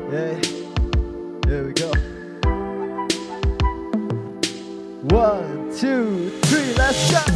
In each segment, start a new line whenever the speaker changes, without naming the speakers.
Yeah, here we go. 1, 2, 3, let's go.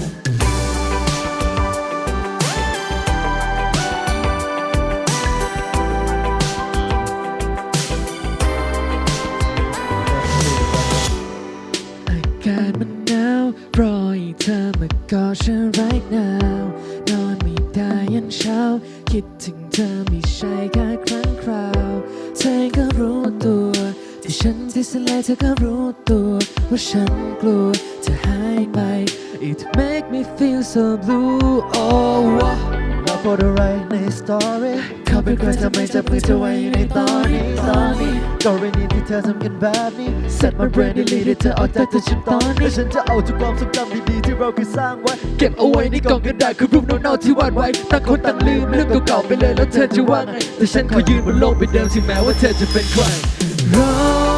อากาศมันหนาวรอให้เธอมากอดฉัน right now นอนไม่ได้ยันเช้าคิดถึงเธอไม่ใช่แค่ครั้งคราวเธอก็รู้ตัวที่ฉันที่สลายเธอก็รู้ตัวว่าฉันกลัวเธอหายไป It make me feel so blue oh
เราโพสอะไรในสตอรี่เขาเป็นใครทำไมจับมือเธอไว้อยู่ในตอนนี้ก็เรื่องนี้ที่เธอทำกันแบบนี้ Set my brain delete ให้เธอออกจากตัวฉันตอนนี้และฉันจะเอาทุกความทรงจำดีๆที่เราเคยสร้างไว้เก็บเอาไว้ในกล่องกระดาษคือรูปเน่าๆที่วาดไว้ต่างคนต่างลืมเรื่องเก่าๆไปเลยแล้วเธอจะว่าไงแต่ฉันขอยืนบนโลกใบเดิมถึงแม้ว่าเธอจะเป็นใครรอ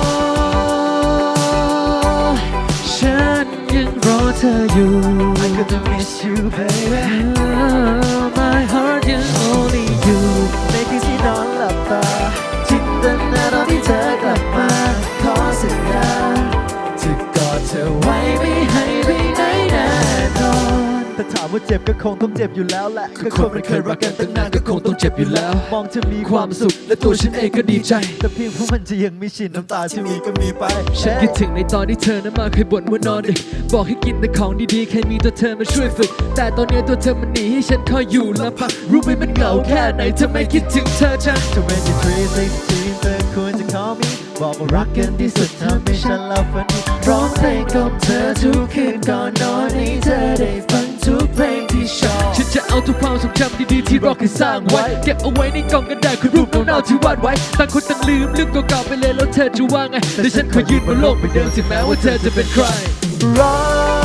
ฉันยังรอเธออยู่ I couldn't miss you baby
My heart is only you
ในที่ที่นอนหลับตาจินตนาตอนที่เธอกลับมาขอสัญญาจะกอดเธอไว้ไม่ให้ไปไหนแน่นอนแต่ถามว่าเจ็บก็คงต้องเจ็บอยู่แล้วแหละก็คนมันเคยรักกันตั้งนานก็คงต้องเจ็บอยู่แล้วมองเธอมีความสุขและตัวฉันเองก็ดีใจแต่เพียงเพราะมันจะยังไม่ชินน้ำตาที่มีก็มีไป
ฉันคิดถึงในตอนที่เธอนั้นมาเคยบ่นว่านอนดึกบอกให้กินแต่ของดีๆแค่มีตัวเธอมาช่วยฝึกแต่ตอนนี้ตัวเธอมันหนีให้ฉันคอยอยู่ลำพังรู้ไหมมันเหงาแค่ไหนเธอไม่คิดถึงเธอจัง
23 เธอควรจะ call me บอกว่ารักกันที่สุดทำให้ฉันเล่าฝันดีร้องเพลงกับเธอทุกคืนก่อนนอนให้เธอได้ฟังทุกเพลงที่ชอบ
ฉันจะเอาทุกความทรงจำดีๆที่เราเคยสร้างไว้เก็บเอาไว้ในกล่องกระดาษคือรูปเน่าๆที่วาดไว้ต่างคนต่างลืมเรื่องเก่าๆไปเลยแล้วเธอจะว่าไงแต่ฉันขอยืนบนโลกใบเดิมถึงแม้ว่าเธอจะเป็นใคร
รอ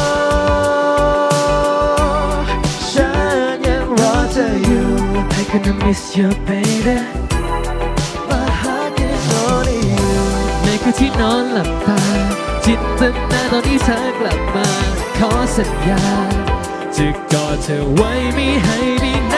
ฉันยังรอเธออยู่
I gonna miss you baby
My heart is only you
ในคืนที่นอนหลับตาจินตนาตอนที่เธอกลับมาขอสัญญาจะกอดเธอไว้ไม่ให้ไปไหน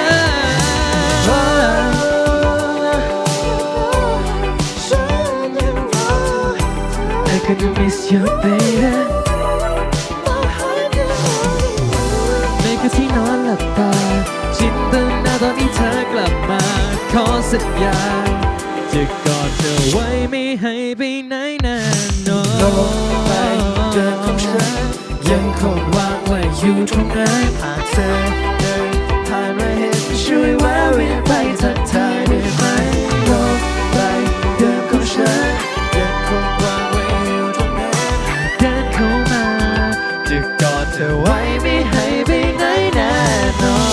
ฉันยังรอ
I gonna miss you baby
My heart is only you
ในคืนที่นอนหลับตาจินตนาตอนที่เธอกลับมาขอสัญญาจะกอดเธอไว้ไม่ให้ไปไหนแน่นอน
โลกใบเดิมของฉันยังคงวางไว้อยู่ตรงนั้นหากเธอเดินผ่านมาเห็นช่วยแวะเวียนไปทักทายได้ไหมโลกใบเดิมของฉันยังคงวางไว้อยู่ตรงนั้น
เดินเข้ามาจะกอดเธอไว้ไม่ให้ไปไหนแน่นอน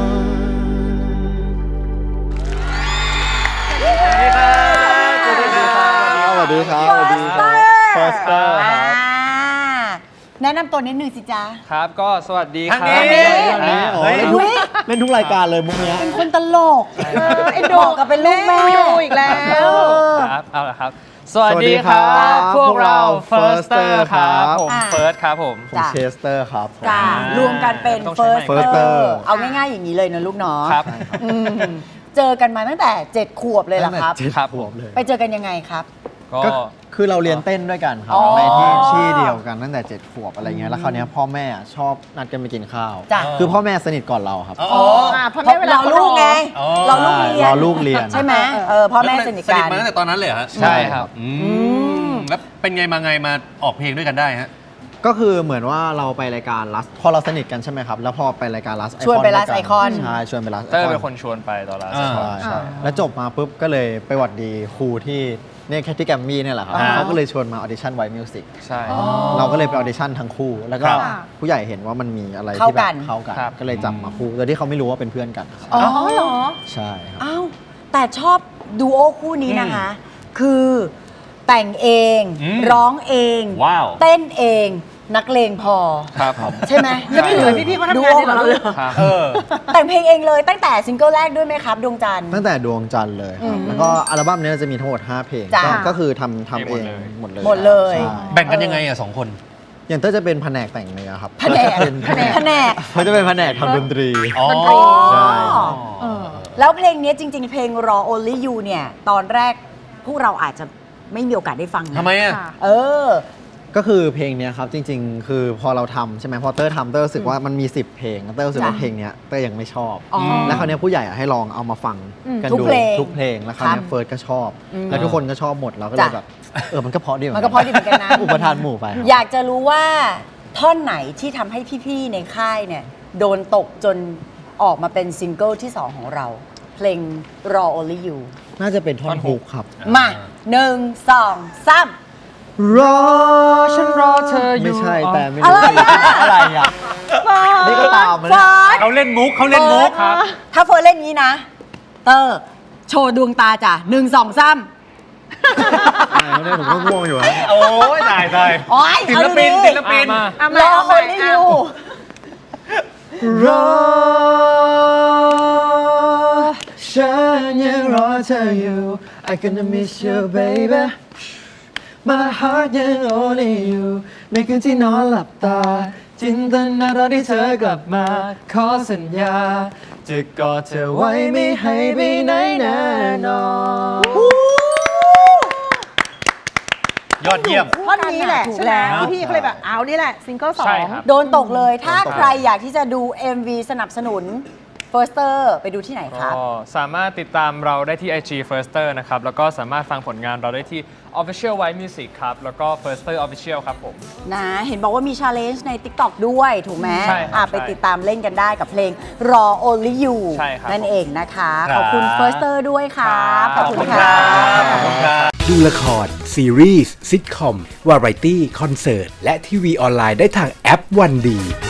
สวัสดีครับ สวัสดีครับ Foster ครับ
แนะนำตัวนิดนึงสิจ๊ะ
ครับก็สวัสดีครับ
ทางนี้อ๋อเล่นทุกรายการเลยมุกเนี้ย
เป็นคนตลกไอ้ดอกกับเป็นลูกแม่อีกแล้ว
ครับเอาละครับ สวัสดีครับ
สวัสดีครับ
พวกเรา
Firster
Firster ครับ ผม
อ่า
เฟิร์สครับผม
ผมเชสเตอร์ครับผม
จ้ารวมกันเป็น
ต้องใช้ไมค์
Firster เอาง่ายๆอย่างนี้เลยนะลูกเนาะ
ครับ
อืมเจอกันมาตั้งแต่ 7 ขวบเลยเหรอครับ
ตั้งแต่
ครับ
7 ขวบเลย
ไปเจอกันยังไงครับ
ก็
ก็คือเราเรียนเต้นด้วยกันครับ
อ๋อ
ในที่เดียวกันตั้งแต่ 7 ขวบอะไรเงี้ยแล้วคราวเนี้ยพ่อแม่ชอบนัดกันไปกินข้าว
จ้ะ
คือพ่อแม่สนิทก่อนเราครับ
อ๋อเพราะเราลูกไง
อ๋อ
เราลูกเรียน
รอลูกเรียน
ใช่ไหมพ่อแม่สนิท
สนิ
กั
ท
น
มาตั้งแต่ตอนนั้นเลยเหรอฮะ
ใช่ครับ
แล้วเป็นไงมาไงมาออกเพลงด้วยกันได้ฮะ
ก็คือเหมือนว่าเราไปรายการลัสพอเราสนิทกันใช่ไหมครับ แล้วพอไปรายการลัส
ชวนไป Last Icon
ใช่ชวนไปลัส
เตอร์เป็นคนชวนไปตอนแรก
อ่า
ใช่ใช่แล้วจบมาปุ๊บก็เลยไปหวัดดีครูที่เนี่ยแคทที่แกรมมี่เนี่ยแหละครับ
อ่า
เขาก็เลยชวนมาออดิชั่นไวมิวสิก
ใช่
เราก็เลยไปออดิชั่นทั้งคู่ แล้วก็
ครับ
ผู้ใหญ่เห็นว่ามันมีอะไร
เข้า
ที่แบ
กับ น
เข้ากัน
ครับ
ก็เลยจับมาคู่โดยที่เขาไม่รู้ว่าเป็นเพื่อนกัน
อ๋อเหรอ
ใช่ครับ
อ้าวแต่ชอบดูโอคู่นี้นะคะ คือแต่งเอง ร้องเอง
ว้าว
เต้นเอง นักเลงพอ
ครับผม
ใช่ไหม
ใช่เลย
พี่ๆเขาทำงานในเราเลย
ครับ
แต่งเพลงเองเลยตั้งแต่ซิงเกิลแรกด้วยไหมครับ ดวงจันทร์
ตั้งแต่ดวงจันทร์เลยครับแล้วก็อัลบั้มนี้จะมีทั้งหมด 5 เพลง
จ้ะ
ก็คือทำเองหมดเลย
หมดเลย
ใช่
แบ่งกันยังไงอ่ะ2 คน
อย่างเต้ยจะเป็นแผนกแต่งเนื้อครับ
แผนก
เป็น
แผนก
เขาจะเป็นแผนกทำดนตรี
อ๋อ
ใช่
แล้วเพลงนี้จริง ๆ เพลง Raw Only You เนี่ย ตอนแรกพวกเราอาจจะไม่มีโอกาสได้ฟังนะ
ทำไมอ่ะ
เออ
ก็คือเพลงเนี้ยครับจริงๆ คือพอเราทำใช่ไหมพอเตอร์ทำเตอร์รู้สึกว่ามันมี 10 เพลงเตอร์รู้สึกว่า
จ้ะ
เพลงเนี้ยเตอร์ยังไม่ชอบ
อ๋อ
แล้วคราวเนี้ยผู้ใหญ่อะให้ลองเอามาฟังกัน
ทุก
ดู
เพลง
ทุกเพลงแล้วคราวเนี้ย
ครับ
เฟิร์สก็ชอบ
อืม
แล้วทุกคนก็ชอบหมดเราก็เลย
จ้ะ
แบบมันก็เพราะดีเหมื
มั
อน น
ก็เพราะดีเหมือนกันนะ
อุปทานหมู่ไปครับ
อยากจะรู้ว่าท่อนไหนที่ทำให้พี่ๆในค่ายเนี่ยโดนตกจนออกมาเป็นซิงเกิลที่ 2 ของเรา เพลง Raw Only You
น่าจะเป็นท่อนฮุกครับ
มา1 2 3
รอ
ฉันรอเธออยู่
ไม่ใช่แต่ไม่
อะไร
รู้
อะ
อะไรอ่ะนี่ก็ตามมา
เฟิ
เนี่ย
ร์ส
เขาเล่นมุกเขาเล่นมุก
ครับ
ถ้าเฟิร์สเล่นงี้นะ เตอร์โชว์ดวงตาจ้ะ1 2 3
เนี่ยผมก็ง่วงอยู่อะ
โอ้ยตายตาย
โอ๊ย
ศิลปิน
เอาดูดิ
ศิลปิน
รอ Only You
รอฉันยังรอเธออยู่ I gonna miss you baby My heart ยัง only you ในคืนที่นอนหลับตา จินตนาตอนที่เธอกลับมา ขอสัญญา จะกอดเธอไว้ไม่ให้ไปไหนแน่นอน
ยอดเยี่ยม
ท่อนนี้แหละ
ถูก
ใช่ไหม
แล้ว
พี่ก็เลยแบบเอานี่แหละซิงเกิลสอ
ใช่
ง
ครับ
โดนตกเลย ถ้าใครอยากที่จะดู MV สนับสนุน Firster ไปดูที่ไหนครับ
ก็สามารถติดตามเราได้ที่ IG Firster นะครับ แล้วก็สามารถฟังผลงานเราได้ที่ Official White Music ครับ แล้วก็ Firster Official ครับผม
นะ เห็นบอกว่ามี challenge ใน TikTok ด้วยถูกไหม
ใช่ครับ
ไป
ใช่
ติดตามเล่นกันได้กับเพลง Raw Only You
ใช่ครับ
นั่นเองนะคะ
ครับ
ขอบคุณ Firster ด้วยครับ
ครับ
ขอบคุณ
ค
ค
รั
รับ
ขอบคุณครับ
ดูละคร ซีรีส์ซิทคอม วาไรตี้ คอนเสิร์ต และทีวีออนไลน์ได้ทางแอปวันดี